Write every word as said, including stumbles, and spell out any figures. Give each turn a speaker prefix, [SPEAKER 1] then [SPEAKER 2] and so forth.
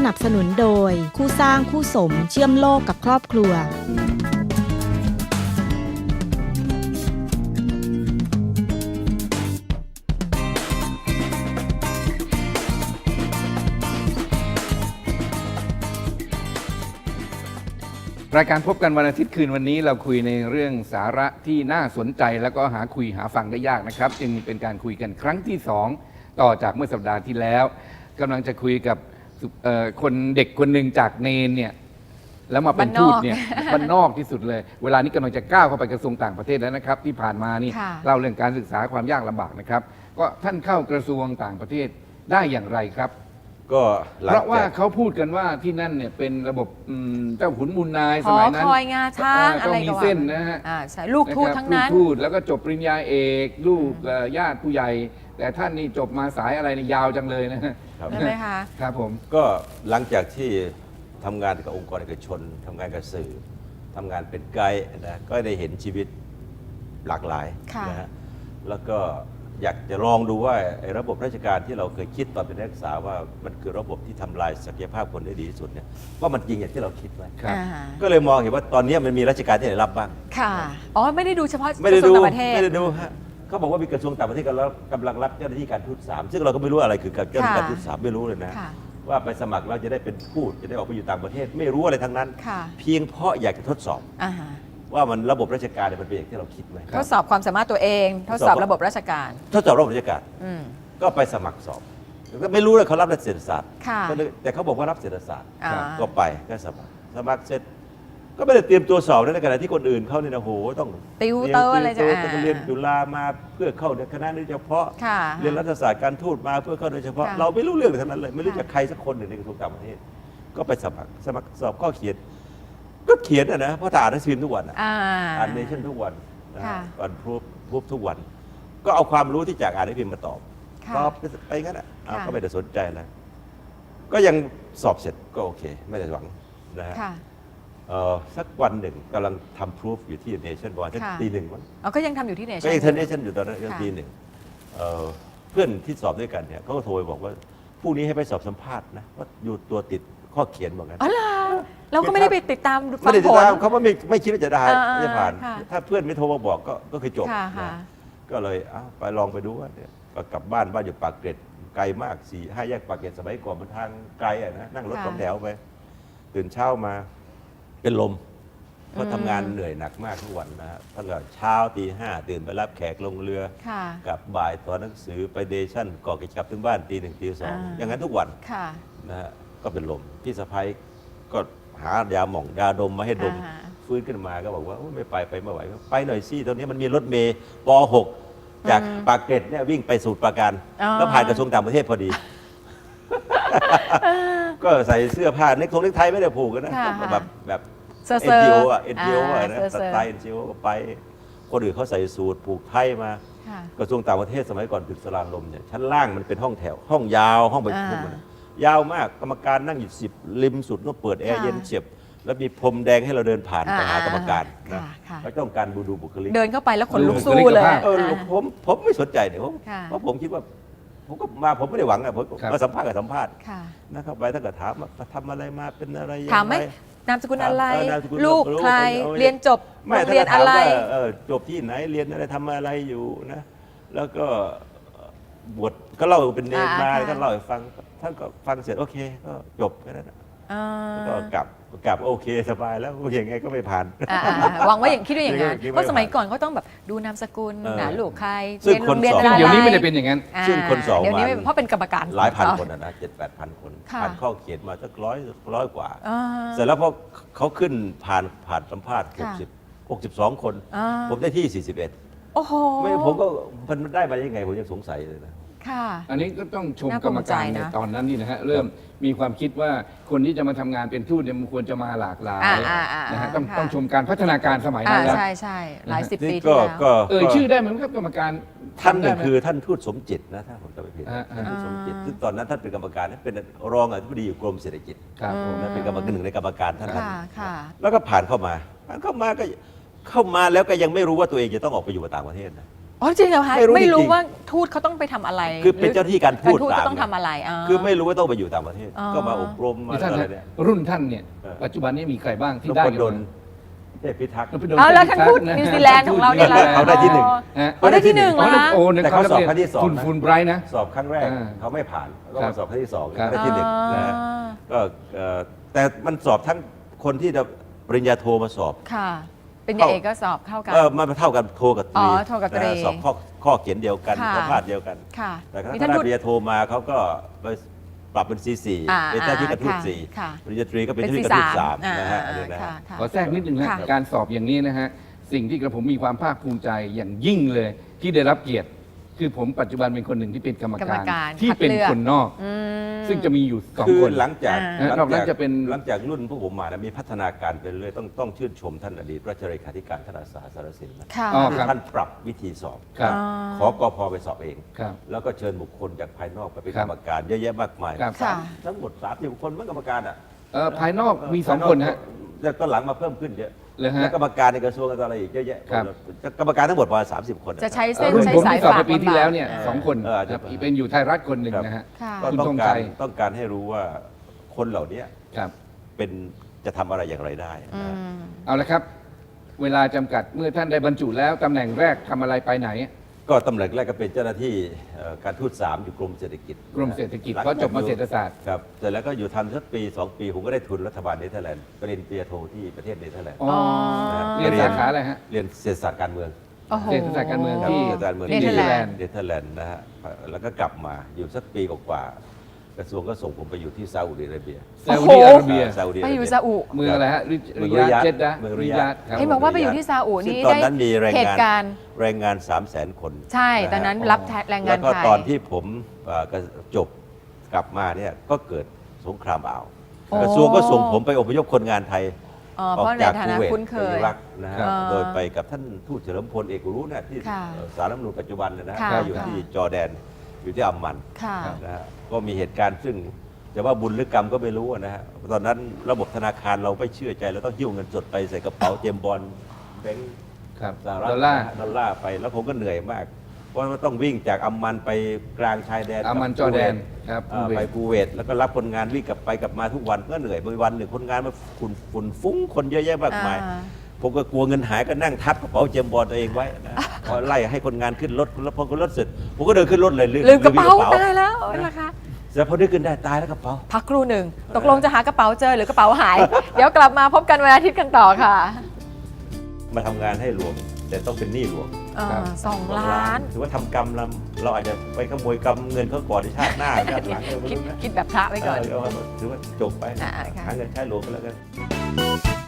[SPEAKER 1] นับสนุนโดยคู่สร้างคู่สมเชื่อมโลกกับครอบครัว
[SPEAKER 2] รายการพบกันวันอาทิตย์คืนวันนี้เราคุยในเรื่องสาระที่น่าสนใจแล้วก็หาคุยหาฟังได้ยากนะครับจึงเป็นการคุยกันครั้งที่สองต่อจากเมื่อสัปดาห์ที่แล้วกำลังจะคุยกับคนเด็กคนหนึ่งจากเนนเนี่ยแล้วมาเป็นทูตเนี่ยบ้านนอกที่สุดเลยเวลานี้กำลังจะก้าวเข้าไปกระทรวงต่างประเทศแล้วนะครับที่ผ่านมานี่เล่าเรื่องการศึกษาความยากลำบากนะครับก็ท่านเข้ากระทรวงต่างประเทศได้อย่างไรครับ
[SPEAKER 3] ก็
[SPEAKER 2] เพราะว่าเขาพูดกันว่าที่นั่นเนี่ยเป็นระบบเจ้าขุนมูลนายสมัยนั้น
[SPEAKER 4] คอยงาช้างอะไรก็
[SPEAKER 2] มีเส้นนะฮะ
[SPEAKER 4] ใช่ลูกทูตทั้งนั้น
[SPEAKER 2] ลูกทูตแล้วก็จบปริญญาเอกลูกญาติผู้ใหญ่แต่ท่านนี่จบมาสายอะไรนี่ยาวจังเลยนะ
[SPEAKER 4] ใช่ไหมคะ
[SPEAKER 2] ครับผม
[SPEAKER 3] ก็หลังจากที่ทำงานกับองค์กรเอกชนทำงานกับสื่อทำงานเป็นไกด์นะก็ได้เห็นชีวิตหลากหลายนะฮะแล้วก็อยากจะลองดูว่าระบบราชการที่เราเคยคิดตอนเป็นนักศึกษาว่ามันคือระบบที่ทำลายศักยภาพคนได้ดีที่สุดเนี่ยว่ามันจริงอย่างที่เราคิดไหมก็เลยมองเห็นว่าตอนนี้มันมีราชการที่ไหนรับบ้าง
[SPEAKER 4] ค่ะอ๋อไม่ได้ดูเฉพาะก
[SPEAKER 3] ระ
[SPEAKER 4] ทรวงต่างประเทศ
[SPEAKER 3] ไม่ได้ดูฮะเขาบอกว่ามีกระทรวงต่างประเทศกำลังรับเจ้าหน้าที่การทูตสามซึ่งเราก็ไม่รู้อะไรคือเจ้าหน้าที่การทูตสามไม่รู้เลยนะว่าไปสมัครเราจะได้เป็นทูตจะได้ออกไปอยู่ต่างประเทศไม่รู้อะไรทั้งนั้นเพียงเพราะอยากจะทดสอบว่ามันระบบราชการมันเป็นอย่างที่เราคิดไหม
[SPEAKER 4] ทดสอบความสามารถตัวเองทดสอบระบบราชการ
[SPEAKER 3] ทดสอบระบบราชการก็ไปสมัครสอบก็ไม่รู้เลยเขารับเศรษฐศาสตร์แต่เขาบอกว่ารับเศรษฐศาสตร์ก็ไปก็สมัครสมัครเสร็จก็ไม่ได้เตรียมตัวสอบในขณะที่คนอื่นเขาเนี่ยนะโหต้อง
[SPEAKER 4] ติวเตอร์อะไรจะ
[SPEAKER 3] ต้องเรียนจุฬามาเพื่อเข้าคณะโดยเฉพาะเรียนรัฐศาสตร์การทูตมาเพื่อเข้าโดยเฉพาะเราไม่รู้เรื่องทั้งนั้นเลยไม่รู้จักใครสักคนหนึ่งในกระทรวงต่างประเทศก็ไปสมัครสมัครสอบข้อเขียนก็เขียนนะเพราะอ่านหนังสือทุกวันอ่านเนชั่นทุกวันอ่านพูดพูดทุกวันก็เอาความรู้ที่จากอ่านหนังสือมาตอบตอบไปงั้นอ่ะก็ไม่ได้สนใจแล้วก็ยังสอบเสร็จก็โอเคไม่ได้หวังนะฮะสักวันหนึ่งกำลังทำพิสูจอยู่ที่เนชั่นวันตีหนึ่งมั้ง
[SPEAKER 4] ก็ยังทำอยู่ที่เนชั่น
[SPEAKER 3] ก็ยังทำเนชั่นอยู่ตอนนั้นตีหนึ่งเพื่อนที่สอบด้วยกันเนี่ยเขาก็โทรไปบอกว่าพรุ่งนี้ให้ไปสอบสัมภาษณ์นะว่าอยู่ตัวติดข้อเขียนบอกกัน
[SPEAKER 4] อ๋อเหรอเราก็ไม่ได้ไปติดตาม
[SPEAKER 3] ไม่ได้ติดตามเขาไม่ไม่คิดว่าจะได้จะผ่านถ้าเพื่อนไม่โทรมาบอกก็ก็คือจบก็เลยไปลองไปดูว่าเนี่ยก็กลับบ้านบ้านอยู่ปากเกร็ดไกลมากสี่ห้าแยกปากเกร็ดสมัยก่อนมันทางไกลอ่ะนะนั่งรถสองแถวไปตื่นเช้ามาเป็นลมเพราะทำงานเหนื่อยหนักมากทุกวันนะฮะตั้งแต่เช้าตีห้าตื่นไปรับแขกลงเรือกับบ่ายตอนหนังสือไปเดชั่นก่อกิจกรรมถึงบ้านตีหนึ่งตีสองอย่างนั้นทุกวันนะฮะก็เป็นลมพี่สะพ้ายก็หายาหม่องยาดมมาให้ดมฟื้นขึ้นมาก็บอกว่าไม่ไปไปไม่ไหวไปหน่อยสิตอนนี้มันมีรถเมย์ป หกจากปากเกร็ดเนี่ยวิ่งไปสู่ปราการแล้วผ่านกระทรวงต่างประเทศพอดีก็ใส่เสื้อผ้าเน็กทงเน็กไทไม่ได้ผูกกันนะแบบแบบเอ็นจีโออ่ะเอ็นจีโออ่ะนะสไตล์เอ็นจีโอก็ไปคนอื่นเขาใส่สูทผูกไทยมากระทรวงต่างประเทศสมัยก่อนตึกสลานลมเนี่ยชั้นล่างมันเป็นห้องแถวห้องยาวห้องประชุมยาวมากกรรมการนั่งอยู่สิบริมสุดต้องเปิดแอร์เย็นเฉียบแล้วมีพรมแดงให้เราเดินผ่านไปหากรรมการนะเขาต้องการดูดูบุคลิก
[SPEAKER 4] เดินเข้าไปแล้วขนลุกสู้เลย
[SPEAKER 3] เออผมผมไม่สนใจเนี่ยเพราะผมคิดว่าผมก็มาผมไม่ได้หวังอะผมมาสัมภาษณ์กับสัมภาษณ์นะเข้าไปถ้าเกิดถามว่าทำอะไรมาเป็นอะไร
[SPEAKER 4] ถามไหมนามสกุลอะไรลูกใครเรียนจบเรียนอะไร
[SPEAKER 3] จบที่ไหนเรียนอะไรทำอะไรอยู่นะแล้วก็บวชก็เล่าเป็นเนรมาท่านเล่าให้ฟังท่านก็ฟังเสร็จโอเคก็จบแค่นั้นก็กลับกลับโอเคสบายแล้วอย่างไงก็ไม่ผ่าน
[SPEAKER 4] หวังว่าอย่างคิดว่าอย่างนั้นเพราะสมัยก่อนเขาต้องแบบดูนามสกุลนะลูกใคร
[SPEAKER 3] เรียนโรงเรียนอะไร
[SPEAKER 2] เดี๋ยวนี้ไม่ได้เป็นอย่างนั้น
[SPEAKER 3] ซึ่งคนสอบ
[SPEAKER 4] เดี๋ยวนี้เพราะเป็นกรรมการ
[SPEAKER 3] หลายพันคนนะเจ็ดแปดพันคนผ่านข้อเขียนมาสักร้อยร้อยกว่าเสร็จแล้วพอเขาขึ้นผ่านผ่านสัมภาษณ์หกสิบหกสิบสองคนผมได้ที่สี่สิบเอ็ด
[SPEAKER 4] โอ้โห
[SPEAKER 3] ไม่ผมก็มันได้มายังไงผมยังสงสัยเลยนะ
[SPEAKER 2] อันนี้ก็ต้องชมกรรมการในตอนนั้นนี่นะฮะเริ่มมีความคิดว่าคนที่จะมาทำงานเป็นทูตเนี่ยมันควรจะมาหลากหลายนะฮะต้องต้องชมการพัฒนาการสมัยนั้นแล้ว
[SPEAKER 4] ใช่ใช่หลายสิบปีที่แล้ว
[SPEAKER 2] เออชื่อได้ไหมครับกรรมการ
[SPEAKER 3] ท่านนึงคือท่านทูตสมจิตนะถ้าผมจำไม่ผิดท่านทูตสมจิตซึ่งตอนนั้นท่านเป็นกรรมการเป็นรองอธิบดีอยู่กรมเศรษฐกิจ
[SPEAKER 2] ครับผม
[SPEAKER 3] เป็นกรรมการหนึ่งในกรรมการท่านแล้วก็ผ่านเข้ามาผ่านเข้ามาก็เข้ามาแล้วก็ยังไม่รู้ว่าตัวเองจะต้องออกไปอยู่ต่างประเทศนะ
[SPEAKER 4] อ๋อจริงเหรอคะ
[SPEAKER 3] ไม่รู้
[SPEAKER 4] ไม่รู้
[SPEAKER 3] จริงๆ
[SPEAKER 4] ว่าทูตเขาต้องไปทำอะไร
[SPEAKER 3] คือเป็นเจ้าหน้าที่การทูต
[SPEAKER 4] ทูต
[SPEAKER 3] ตาม
[SPEAKER 4] ก็ต้องทำอะไรา
[SPEAKER 3] คือไม่รู้ว่าต้องไปอยู่ต่างประเทศ
[SPEAKER 4] อ๋อ
[SPEAKER 3] ก็มาอบรมมา
[SPEAKER 2] ที่ท่าน
[SPEAKER 3] อะไร
[SPEAKER 2] ฮะ
[SPEAKER 3] เนี่ย
[SPEAKER 2] รุ่นท่านเนี่ย
[SPEAKER 3] เออ
[SPEAKER 2] ปัจจุบันนี้มีใครบ้างที่
[SPEAKER 3] น
[SPEAKER 2] ได้
[SPEAKER 3] พ
[SPEAKER 2] กัน
[SPEAKER 3] ดล
[SPEAKER 2] มา
[SPEAKER 3] เทพพิทักษ์
[SPEAKER 2] นพดล
[SPEAKER 4] เอาแล้วท่านทูต
[SPEAKER 2] ะ
[SPEAKER 4] นิวซีแลนด์ของเราเนี่ย
[SPEAKER 3] เขาได้ที่หนึ่ง
[SPEAKER 4] อ๋อเขาได้ที่หนึ่ง
[SPEAKER 2] อ๋อ
[SPEAKER 4] เหรอ
[SPEAKER 2] นั่น
[SPEAKER 4] คะ
[SPEAKER 2] โอ้นั่น
[SPEAKER 3] แต่เขาสอบครั้งที่สอง
[SPEAKER 2] คุณ
[SPEAKER 3] นะ
[SPEAKER 2] ฟูลไบรท์นะ
[SPEAKER 3] สอบครั้งแรก
[SPEAKER 2] อ่า
[SPEAKER 3] เขาไม่ผ่านก็
[SPEAKER 2] ครั
[SPEAKER 3] มา
[SPEAKER 2] บ
[SPEAKER 3] สอบครั้งที่สอง
[SPEAKER 2] ครับ
[SPEAKER 3] ได้ที่หนึ่งนะฮะก็เอ่อแต่มันสอบทั้งคนที่จะปริญญาโทมาสอบ
[SPEAKER 4] ค่ะ เป็นยาเอกก็สอบเข้ากัน
[SPEAKER 3] เออมันเท่ากันโทกับตรี
[SPEAKER 4] อ๋อโทกับตรี
[SPEAKER 3] นะฮะสอบข้อข้อเขียนเดียวกัน
[SPEAKER 4] ค่ะ
[SPEAKER 3] ข้อพาดเดียวกัน
[SPEAKER 4] ค่ะ
[SPEAKER 3] แต่ถ้า
[SPEAKER 4] มี
[SPEAKER 3] ค
[SPEAKER 4] ท่าน
[SPEAKER 3] ณะ
[SPEAKER 4] ทูต
[SPEAKER 3] ปริญญาโทมาเขาก็ไปปรับเป็น ซี สี่
[SPEAKER 4] อ่า
[SPEAKER 3] เป็นเจ้าที่กระทูต
[SPEAKER 4] ค่ะ
[SPEAKER 3] สี่
[SPEAKER 4] ค่ะ
[SPEAKER 3] ปริญญาตรีก็เป็น
[SPEAKER 4] เป็น
[SPEAKER 3] เจ้า
[SPEAKER 4] ซี
[SPEAKER 3] ที่กระทูต
[SPEAKER 4] สา
[SPEAKER 3] สาม ม
[SPEAKER 4] อ่า
[SPEAKER 3] นะฮะอันนี้นะ
[SPEAKER 4] ค่ะ
[SPEAKER 3] ฮะ
[SPEAKER 4] ค่ะ
[SPEAKER 2] ขอแทรกนิดหนึ่งนะ
[SPEAKER 4] ค่ะ
[SPEAKER 2] การสอบอย่างนี้นะฮะสิ่งที่กระผมมีความภาคภูมิใจอย่างยิ่งเลยที่ได้รับเกียรติ คือผมปัจจุบันเป็นคนหนึ่งที่เป็นกรรม
[SPEAKER 4] กรรม
[SPEAKER 2] การ
[SPEAKER 4] การ
[SPEAKER 2] ที่
[SPEAKER 4] คัด
[SPEAKER 2] เป็น
[SPEAKER 4] เลือก
[SPEAKER 2] คนนอก
[SPEAKER 4] อืม
[SPEAKER 2] ซึ่งจะมีอยู่สอง
[SPEAKER 3] คือ
[SPEAKER 2] คน
[SPEAKER 3] หลังจาก
[SPEAKER 4] อ่า
[SPEAKER 3] หลัง
[SPEAKER 2] นอกนั้
[SPEAKER 3] จาก
[SPEAKER 2] นจะเป็น
[SPEAKER 3] หลังจากรุ่นพวกผมมานะมีพัฒนาการไปเรื่อยต้องต้องชื่นชมท่านอดีตราชเลขาธิการธนาสาสารสินนะ
[SPEAKER 4] ค่ะ
[SPEAKER 2] อ๋อ
[SPEAKER 3] คือ
[SPEAKER 2] ครับ
[SPEAKER 3] ท่านปรับวิธีสอบ
[SPEAKER 2] ครับ
[SPEAKER 3] ขอกพไปสอบเอง
[SPEAKER 2] ครับ
[SPEAKER 3] แล้วก็เชิญบุคคลจากภายนอกไปเป็น
[SPEAKER 2] ครั
[SPEAKER 3] ก
[SPEAKER 2] บ
[SPEAKER 3] รรมการเยอะแยะมากมาย
[SPEAKER 2] ครับ
[SPEAKER 4] ค่ะ
[SPEAKER 3] ทั้งหมดสามสิบคนเป็นกรรมการอ่ะ
[SPEAKER 2] เอ่อภายนอกมีสองคนฮะ
[SPEAKER 3] แต่ตอนหลังมาเพิ่มขึ้นเยอะ
[SPEAKER 2] เลยฮะ
[SPEAKER 3] แล้วกรรมการในกระทรวงอะไรอีกเยอะแยะ
[SPEAKER 2] ครับ
[SPEAKER 3] กรรมการทั้งหมดประมาณสามสิบคน
[SPEAKER 4] จะใช้
[SPEAKER 2] เอ่
[SPEAKER 4] เส้
[SPEAKER 2] อน รุ่น
[SPEAKER 4] ใช้
[SPEAKER 2] ผม
[SPEAKER 4] สาย
[SPEAKER 2] ที่สอบ
[SPEAKER 4] ฝา
[SPEAKER 2] ไป
[SPEAKER 4] ก
[SPEAKER 2] ปีที่แล้วเนี่ย
[SPEAKER 3] เออ
[SPEAKER 2] สองคน
[SPEAKER 3] เอออาจจะ
[SPEAKER 2] ครับเป็นอยู่ไทยรัฐคนหนึ่งนะฮะ
[SPEAKER 4] ค่ะ
[SPEAKER 3] ก็
[SPEAKER 2] คุณ
[SPEAKER 3] ต้อ
[SPEAKER 2] ธ
[SPEAKER 3] ง
[SPEAKER 2] ง
[SPEAKER 3] กา
[SPEAKER 2] ชั
[SPEAKER 3] ร
[SPEAKER 2] ย
[SPEAKER 3] ต้องการให้รู้ว่าคนเหล่านี้
[SPEAKER 2] ครับ
[SPEAKER 3] เป็นจะทำอะไรอย่างไรได้
[SPEAKER 4] อื
[SPEAKER 3] นะ
[SPEAKER 4] ม
[SPEAKER 2] เอาละครับ เวลาจำกัดเมื่อท่านได้บรรจุแล้วตำแหน่งแรกทำอะไรไปไหน
[SPEAKER 3] ก็ตำแหน่งแรกก็เป็นเจ้าหน้าที่เอ่อการทูตสามอยู่กรมเศรษฐกิจ
[SPEAKER 2] กรมเศรษฐกิจ
[SPEAKER 3] หลัง
[SPEAKER 2] เพราะจบมาเศรษฐศาสตร์
[SPEAKER 3] ครับเสร็จแล้วก็อยู่ทำสักปีสองปีผมก็ได้ทุนรัฐบาลเนเธอร์แลนด์ปริญญาโทที่ประเทศเนเธอร์แลนด์
[SPEAKER 2] อ๋อ
[SPEAKER 3] นะฮะ
[SPEAKER 2] เรียนสาขาอะไรฮะ
[SPEAKER 3] เรียนเศรษฐศาสตร์การเมือง
[SPEAKER 4] โอ้โห
[SPEAKER 2] เศรษฐศาสตร์การเมือง
[SPEAKER 3] ครับ
[SPEAKER 2] ที่
[SPEAKER 3] เศรษฐศาสตร์การเมือง
[SPEAKER 4] เน
[SPEAKER 3] ที่
[SPEAKER 4] เธอร์แลนด์
[SPEAKER 3] เนเธอร์แลนด์นะฮะแล้วก็กลับมาอยู่สักปีกว่าๆกระทรวงก็ส่งผมไปอยู่ที่ซาอุดิอาระเบีย
[SPEAKER 2] ซาอุดิอาระเบีย
[SPEAKER 3] ซาอุดิอา
[SPEAKER 4] ไป
[SPEAKER 3] ระ
[SPEAKER 4] อยู่
[SPEAKER 3] เบีย
[SPEAKER 4] ซาอุ
[SPEAKER 2] เมืองอะไรฮะริ
[SPEAKER 3] เมือง
[SPEAKER 2] ริยาด
[SPEAKER 3] ริยาด
[SPEAKER 2] เจดดะ
[SPEAKER 3] เมืองริ
[SPEAKER 2] ริ
[SPEAKER 3] ยาด
[SPEAKER 2] ยาดครับ
[SPEAKER 4] เห็นบอกว่าไปอยู่ที่ซาอุ
[SPEAKER 3] ซึ่ง
[SPEAKER 4] นี่
[SPEAKER 3] ตอน
[SPEAKER 4] ได้
[SPEAKER 3] นั้นมีแรง
[SPEAKER 4] เห
[SPEAKER 3] งา
[SPEAKER 4] ตุ
[SPEAKER 3] น
[SPEAKER 4] การณ์
[SPEAKER 3] แรงงานสามแสนคน
[SPEAKER 4] ใช่ตอนนั้นรับแรงงา
[SPEAKER 3] แล้
[SPEAKER 4] น
[SPEAKER 3] วก็
[SPEAKER 4] ไทย
[SPEAKER 3] ตอนที่ผมเอ่อก็จบกลับมาเนี่ยก็เกิดสงครามอ่าว
[SPEAKER 4] โอ้
[SPEAKER 3] กระทรวงก็ส่งผมไปอพยพคนงานไทย
[SPEAKER 4] อ๋อ
[SPEAKER 3] อ
[SPEAKER 4] เพ
[SPEAKER 3] อก
[SPEAKER 4] ราะใน
[SPEAKER 3] จาก
[SPEAKER 4] ฐา
[SPEAKER 3] คู
[SPEAKER 4] นะ
[SPEAKER 3] เวต
[SPEAKER 4] คุ้นเค
[SPEAKER 3] ไป
[SPEAKER 4] ย
[SPEAKER 3] อิรักนะฮะ
[SPEAKER 4] ครับ
[SPEAKER 3] โดยไปกับท่านทูตเฉลิมพลเอกอุรุเนี่ยที่
[SPEAKER 4] ค่ะ
[SPEAKER 3] เอ่อสารรัฐธรรมนูญปัจจุบันเนยนะฮะ
[SPEAKER 4] ค่ะ
[SPEAKER 3] ก็อยู่ที่จอร์แดนอยู่ที่อัมมัน
[SPEAKER 4] ค่ะ
[SPEAKER 3] นะฮะก็มีเหตุการณ์ซึ่งจะว่าบุญหรือกรรมก็ไม่รู้นะฮะตอนนั้นระบบธนาคารเราไม่เชื่อใจเราต้องหิ้วเงินสดไปใส่กระเป๋าเจมส์บอลแบงค์
[SPEAKER 2] ครับ
[SPEAKER 3] สหรัฐ
[SPEAKER 2] ดอลลาร์
[SPEAKER 3] ดอลลาร์ไปแล้วผมก็เหนื่อยมาก เพราะว่าต้องวิ่งจากอัมมันไปกลางชายแดน
[SPEAKER 2] อามัน
[SPEAKER 3] กับ
[SPEAKER 2] จอร์แดน
[SPEAKER 3] คูเวต
[SPEAKER 2] ครับ
[SPEAKER 3] อ่าไปคูเวตแล้วก็รับคนงานวิ่งกลับไปกลับมาทุกวันก็เหนื่อยบางวันหนึ่งคนงานมาฝุ่นฝุ่นฟุ้งคนเยอะแยะมากมาย
[SPEAKER 4] อ่า
[SPEAKER 3] ผมก็กลัวเงินหายก็นั่งทับกระเป๋าเจมส์บอลตัวเองไว้นะพอไล่ให้คนงานขึ้นรถแล้วพอขึ้นรถเสร็จผมก็เดินขึ้นรถเลย
[SPEAKER 4] ลืมกระเป๋าตายแล้วนะคะ
[SPEAKER 3] เสร็จพอได้ขึ้นได้ตายแล้วกระเป๋า
[SPEAKER 4] พักครู่หนึ่งตกลงจะหากระเป๋าเจอหรือกระเป๋าหาย เดี๋ยวกลับมาพบกันวันอาทิตย์กันต่อค่ะ
[SPEAKER 3] มาทำงานให้หลวงแต่ต้องเป็นหนี้หลวง
[SPEAKER 4] อ่าสองล้าน
[SPEAKER 3] ถือว่าทำกรรมเราเราอาจจะไปขโมยกรรมเงินเขาก่อนในชาติหน้าชาติหลังเออไม่
[SPEAKER 4] คิด
[SPEAKER 3] รู้นะ
[SPEAKER 4] คิดแบบพระไว้ก่อน
[SPEAKER 3] เออถือว่าจบไป
[SPEAKER 4] อ่าค่ะ
[SPEAKER 3] หาเงินใช้หลวงไปแล้วกัน